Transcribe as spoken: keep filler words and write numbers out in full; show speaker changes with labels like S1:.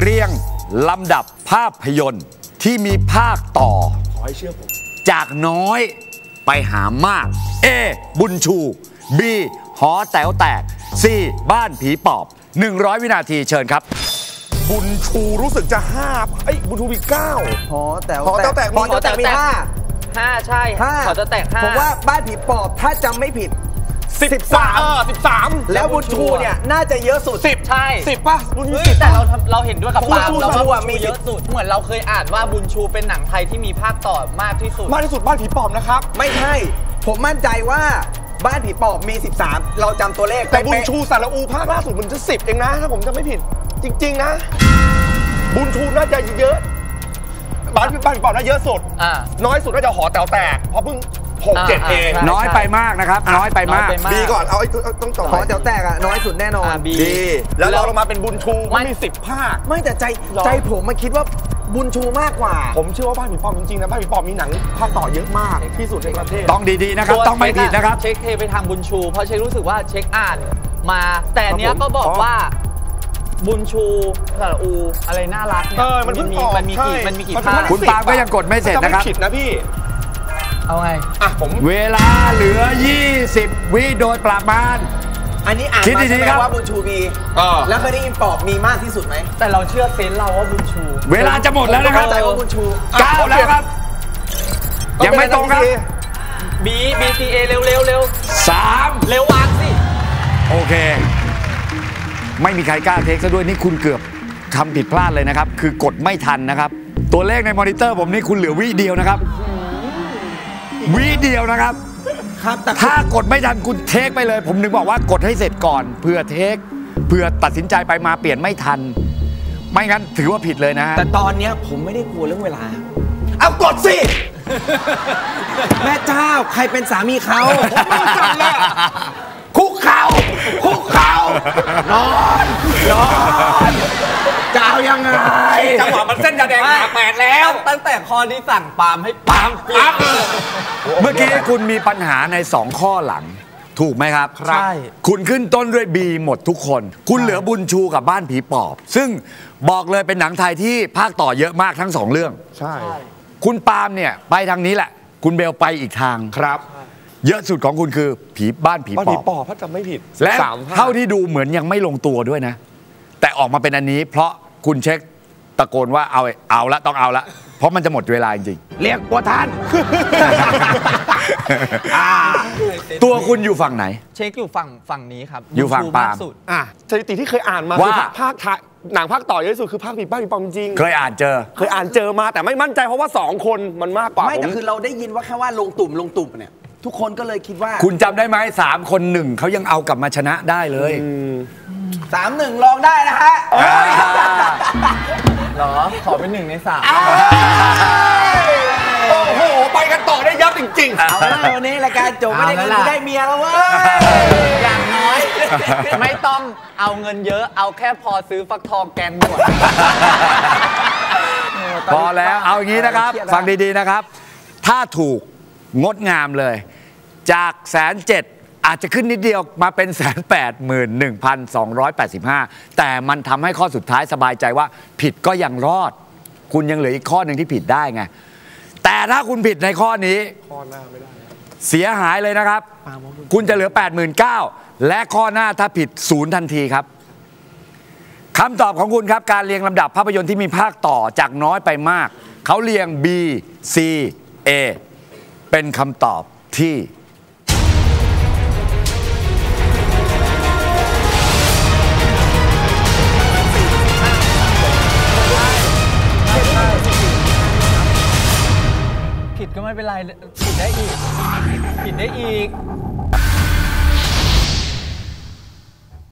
S1: เรียงลำดับภาพยนตร์ที่มีภาคต่อขอให้เชื่อผมจากน้อยไปหามาก A บุญชู B หอแต๋วแตก C บ้านผีปอบหนึ่งร้อยวินาทีเชิญครับ
S2: บุญชูรู้สึกจะห้าไอ้บุญชูมีเก้า
S3: หอแต๋ว
S2: หอแต๋วแตก
S3: หอแต๋วแตกมีห้า
S4: ห้าใช่ห้าหอแต๋วแตกห้า
S3: ผมว่าบ้านผีปอบถ้าจำไม่ผิด
S2: สิบสามเออสิบสาม
S3: แล้วบุญชูเนี่ยน่าจะเยอะสุด
S2: สิบ
S4: ใช่
S2: สิบป่ะบุญชู
S4: แต่เราเราเห็นด้วยกับปาล์มเราว่ามีเยอะสุดเหมือนเราเคยอ่านว่าบุญชูเป็นหนังไทยที่มีภาคต่อมากที่สุด
S2: มากที่สุดบ้านผีปอบนะครับ
S3: ไม่ใช่ผมมั่นใจว่าบ้านผีปอบมีสิบสามเราจำตัวเลข
S2: แต่บุญชูสารอูภาคล่าสุดมันจะสิบเองนะถ้าผมจำไม่ผิดจริงๆนะบุญชูน่าจะเยอะบ้านบ้านผีปอบน่าเยอะสุดน้อยสุดน่าจะหอแต๋วแตกเพราะเพิ่งหกเจ็ดเอง
S1: น้อยไปมากนะครับน้อยไปมาก
S2: บีก่อนเอาต้องต่อ
S3: หอแต๋วแตกอะน้อยสุดแน่นอน
S2: บีแล้วเราลงมาเป็นบุญชูมันมีสิบภาค
S3: ไม่แต่ใจใจผมมาคิดว่าบุญชูมากกว่า
S2: ผมเชื่อว่าบ้านผีปอบจริงๆนะบ้านผีปอบมีหนังภาคต่อเยอะมากที่สุดในประเทศ
S1: ต้องดีๆนะครับต้องไม่ผิดนะครับ
S4: เช็คเทไปทางบุญชูเพราะเช็ครู้สึกว่าเช็คอ่านมาแต่เนี้ยก็บอกว่าบุญชูสระอูอะไรน่ารัก
S2: เนี่ยมันมี
S4: มันมีกี่มันมีกี่ภาค
S1: คุณปาล์มก็ยังกดไม่เสร็จนะครับ
S2: ผิดนะพี่
S4: เอาไง
S2: อ่ะผม
S1: เวลาเหลือยี่สิบวิโดยประมาณ
S3: อันนี้อ่านมาใช่ไหมว่าบุญชูมีแล้วเคยได้ยินปอบมีมากที่สุดไหม
S4: แต่เราเชื่อเซนเราว่าบุญชู
S1: เวลาจะหมดแล้วนะครับ
S3: ใจว่าบุญชู
S1: เก้าแล้วครับยังไม่ตรงครับ
S4: B B C A เร็วเร็วเร็ว
S1: สาม
S4: เร็ววางสิ
S1: โอเคไม่มีใครกล้าเทคซะด้วยนี่คุณเกือบทำผิดพลาดเลยนะครับคือกดไม่ทันนะครับตัวเลขในมอนิเตอร์ผมนี่คุณเหลือวิเดียวนะครับวิเดียวนะครับ
S3: ครับ
S1: ถ้ากดไม่ทันคุณเทคไปเลยผมนึกบอกว่ากดให้เสร็จก่อนเพื่อเทคเพื่อตัดสินใจไปมาเปลี่ยนไม่ทันไม่งั้นถือว่าผิดเลยนะ
S3: แต่ตอนนี้ผมไม่ได้กลัวเรื่องเวลา
S2: เอากดสิ
S3: แม่เจ้าใครเป็นสามีเขา
S2: จังเลยคุกเข่าคุกเข่านอนนอน
S3: จะเอายังไง
S2: จังหวะมันเส้นยาแดงขาแปดแล้ว
S4: ตั้งแต่ข้อนี้สั่งปาล์มให้ปาล์ม
S2: ปั๊บ
S1: เมื่อกี้คุณมีปัญหาในสองข้อหลังถูกไหมครับ
S4: ใช่
S1: คุณขึ้นต้นด้วย B หมดทุกคนคุณเหลือบุญชูกับบ้านผีปอบซึ่งบอกเลยเป็นหนังไทยที่ภาคต่อเยอะมากทั้งสองเรื่อง
S2: ใช่
S1: คุณปาล์มเนี่ยไปทางนี้แหละคุณเบลไปอีกทาง
S2: ครับ
S1: เยอะสุดของคุณคือผีบ้านผีปอบ
S2: บ้านผีปอบถ้าจำไม่ผิด
S1: และเท่าที่ดูเหมือนยังไม่ลงตัวด้วยนะแต่ออกมาเป็นอันนี้เพราะคุณเช็คตะโกนว่าเอาเอาละต้องเอาละเพราะมันจะหมดเวลาจริง
S3: ๆเรียกบัวทาน
S1: ตัวคุณอยู่ฝั่งไหน
S4: เช็คอยู่ฝั่งฝั่งนี้ครับ
S1: อยู่ฝั่งปาล์ม
S2: อ่ะสถิติที่เคยอ่านมาคือภาคหนังภาคต่อเยอะที่สุดคือภาคผีบ้านผีปอบจริง
S1: เคยอ่านเจอ
S2: เคยอ่านเจอมาแต่ไม่มั่นใจเพราะว่าสองคนมันมากกว่า
S3: ไม่แต่คือเราได้ยินว่าแค่ว่าลงตุ่มลงตุ่มเนี่ยทุกคนก็เลยคิดว่า
S1: คุณจำได้ไหมสามคนหนึ่งเขายังเอากลับมาชนะได้เลย
S3: สามหนึ่งลองได้นะฮะ
S4: หรอขอเป็นหนึ่งในสาม
S2: โอ้โหไปกันต่อได้ยับจริงๆ
S3: เอาละวันนี้รายการจบไม่ได้คือได้เมียแล้วเว้ย
S4: อย่างน้อยไม่ต้องเอาเงินเยอะเอาแค่พอซื้อฟักทองแกงหมด
S1: พอแล้วเอาอย่างนี้นะครับฟังดีๆนะครับถ้าถูกงดงามเลยจากแสนเจ็ดอาจจะขึ้นนิดเดียวมาเป็นแสนแปดหมื่นหนึ่งพันสองร้อยแปดสิบห้าแต่มันทำให้ข้อสุดท้ายสบายใจว่าผิดก็ยังรอดคุณยังเหลืออีกข้อหนึ่งที่ผิดได้ไงแต่ถ้าคุณผิดในข้อนี้
S2: ข้อหน้าไม่ได้
S1: เสียหายเลยนะครับคุณจะเหลือ แปดหมื่นเก้าพัน และข้อหน้าถ้าผิดศูนย์ทันทีครับคำตอบของคุณครับการเรียงลำดับภาพยนตร์ที่มีภาคต่อจากน้อยไปมากเขาเรียง B C A เป็นคำตอบที่
S4: ผิดก็ไม่เป็นไรผิดได้อีกผิดได้อีก